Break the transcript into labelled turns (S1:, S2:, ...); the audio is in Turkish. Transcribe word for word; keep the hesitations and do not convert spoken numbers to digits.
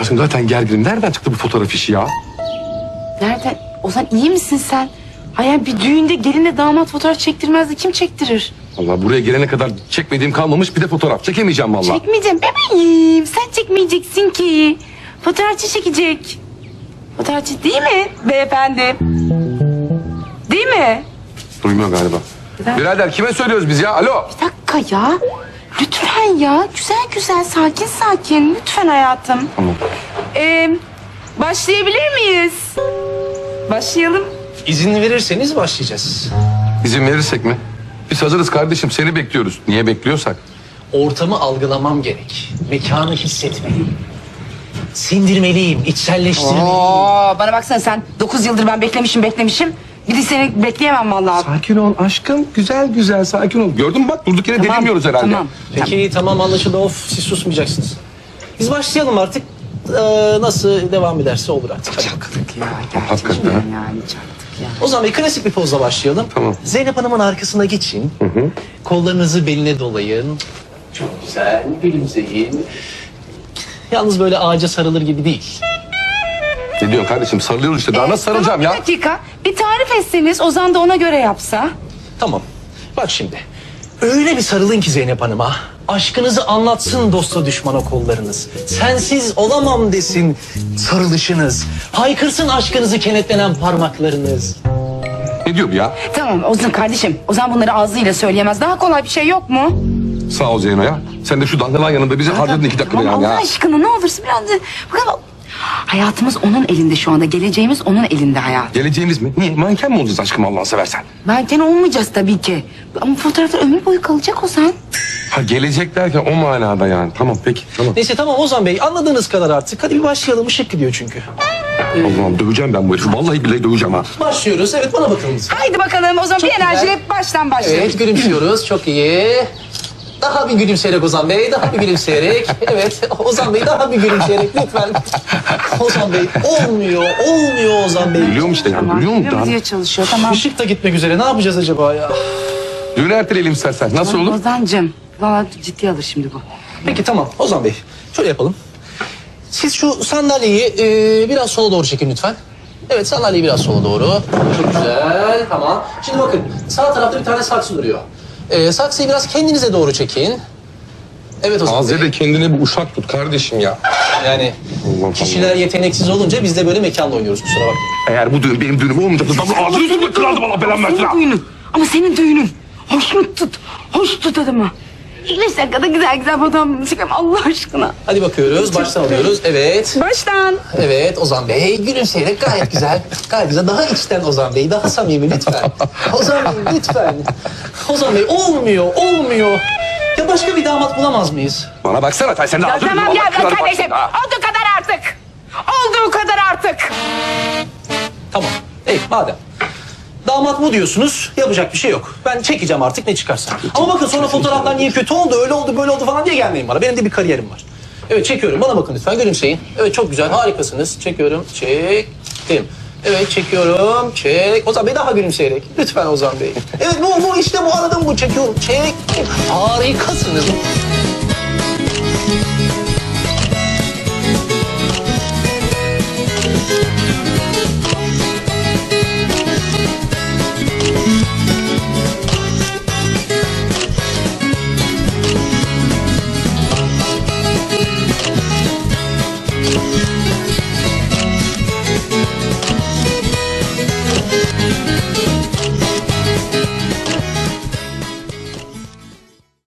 S1: Aşkım zaten gerginim. Nereden çıktı bu fotoğraf işi ya?
S2: Nereden? Ozan iyi misin sen? Hayır bir düğünde gelinle damat fotoğraf çektirmezdi. Kim çektirir?
S1: Vallahi buraya gelene kadar çekmediğim kalmamış, bir de fotoğraf çekemeyeceğim vallahi.
S2: Çekmeyeceğim bebeğim. Sen çekmeyeceksin ki. Fotoğrafçı çekecek. Fotoğrafçı değil mi beyefendi? Değil mi?
S1: Duymuyor galiba.
S2: Ben-
S1: Birader kime söylüyoruz biz ya? Alo.
S2: Bir dakika ya. Lütfen ya. Güzel güzel sakin sakin. Lütfen hayatım.
S1: Tamam.
S2: Ee, başlayabilir miyiz? Başlayalım.
S3: İzin verirseniz başlayacağız.
S1: İzin verirsek mi? Biz hazırız kardeşim. Seni bekliyoruz. Niye bekliyorsak?
S3: Ortamı algılamam gerek. Mekanı hissetmeliyim. Sindirmeliyim, içselleştirmeliyim.
S2: Oo, bana baksana sen dokuz yıldır ben beklemişim beklemişim. Bir de seni bekleyemem vallahi.
S1: Sakin ol aşkım. Güzel güzel sakin ol. Gördün mü bak durduk yere delirmiyoruz herhalde.
S2: Tamam.
S3: Peki tamam anlaşıldı. Of siz susmayacaksınız. Biz başlayalım artık. Ee, nasıl devam ederse olur artık. Hadi bakalım.
S2: Ya
S1: Hakikaten
S2: gerçekten
S1: ha.
S2: yani çaktık ya.
S3: O zaman bir klasik bir pozla başlayalım.
S1: Tamam.
S3: Zeynep Hanım'ın arkasına geçin. Kollarınızı beline dolayın. Çok güzel. Gülümseyin. Yalnız böyle ağaca sarılır gibi değil.
S1: Ne diyorsun kardeşim? Sarılıyoruz işte. Daha nasıl sarılacağım
S2: Tamam,
S1: ya?
S2: bir dakika. Bir tarif etseniz Ozan da ona göre yapsa.
S3: Tamam. Bak şimdi. Öyle bir sarılın ki Zeynep Hanım'a. Aşkınızı anlatsın dosta düşmana kollarınız. Sensiz olamam desin sarılışınız. Haykırsın aşkınızı kenetlenen parmaklarınız.
S1: Ne diyor bu ya?
S2: Tamam Ozan kardeşim. Ozan bunları ağzıyla söyleyemez. Daha kolay bir şey yok mu?
S1: Sağ ol Zeyno ya. Sen de şu dangalan yanında bizi harcadın iki dakikada
S2: Tamam,
S1: yani
S2: Allah
S1: ya.
S2: aşkına ne olursun biraz da... Bakalım. Hayatımız onun elinde şu anda. Geleceğimiz onun elinde hayat.
S1: Geleceğimiz mi? Niye? Manken mi olacağız aşkım Allah'ını seversen?
S2: Belki olmayacağız tabii ki. Ama fotoğraflar ömür boyu kalacak Ozan.
S1: Ha gelecek derken o manada yani. Tamam peki tamam.
S3: Neyse tamam Ozan Bey anladığınız kadar artık. Hadi bir başlayalım ışık gidiyor çünkü.
S1: Allah'ım döveceğim ben bu herifi. Vallahi billahi döveceğim ha.
S3: Başlıyoruz. Evet bana bakın.
S2: Haydi bakalım o zaman
S3: Çok
S2: bir enerjiyle
S3: güzel.
S2: baştan başlayalım.
S3: Evet gülümsüyoruz. Çok iyi. Daha bir gülümseyerek Ozan Bey. Daha bir gülümseyerek. Evet Ozan Bey daha bir gülümseyerek lütfen. Ozan Bey olmuyor. Olmuyor Ozan Bey.
S1: Biliyorum işte yani.
S2: Tamam.
S1: Biliyor musun?
S2: Biliyorum diye çalışıyor tamam.
S3: Işık da gitmek üzere. Ne yapacağız acaba ya?
S1: Düğünü erteleyelim istersen. Nasıl olur?
S2: Ozan'cığım valla ciddiye alır şimdi bu.
S3: Peki tamam Ozan Bey. Şöyle yapalım. Siz şu sandalyeyi e, biraz sola doğru çekin lütfen. Evet sandalyeyi biraz sola doğru. Çok güzel. Tamam. Şimdi bakın sağ tarafta bir tane saksı duruyor. E, saksıyı biraz kendinize doğru çekin. Evet Ozan Bey.
S1: Azze kendine bir uşak tut kardeşim ya.
S3: Yani
S1: Allah
S3: kişiler yeteneksiz olunca biz de böyle mekanla oynuyoruz kusura bakmayın.
S1: Eğer bu düğün benim düğünüm olmayacaksa ben bu ağzını üstüne kırardım Allah belamı versin ha.
S2: Senin düğünün. Ama senin düğünün. Hoş mu tut? Hoş tut adamı. Beş dakikada güzel güzel fotoğraf çekelim Allah aşkına.
S3: Hadi bakıyoruz. Baştan alıyoruz. Evet.
S2: Baştan.
S3: Evet Ozan Bey gülümseyerek gayet güzel. Gayet güzel. Daha içten Ozan Bey. Daha samimi lütfen. Ozan Bey lütfen. Ozan Bey olmuyor. Olmuyor. Ya başka bir damat bulamaz mıyız?
S1: Bana baksana sen sen de
S2: Ya
S1: ağzını
S2: tamam
S1: Allah
S2: ya
S1: kırarım
S2: kardeşim.
S1: bak. Ha.
S2: Olduğu kadar artık. Olduğu kadar artık.
S3: Tamam. Ey madem. Damat bu diyorsunuz. Yapacak bir şey yok. Ben çekeceğim artık ne çıkarsa. Ama bakın sonra fotoğraflar niye kötü oldu, öyle oldu, böyle oldu falan diye gelmeyin bana. Benim de bir kariyerim var. Evet çekiyorum. Bana bakın lütfen. Gülümseyin. Evet çok güzel. Harikasınız. Çekiyorum. Çektim. Evet çekiyorum. Çek. Ozan Bey daha gülümseyerek. Lütfen Ozan Bey. Evet bu bu işte bu aradım bu. Çekiyorum. Çektim. Harikasınız.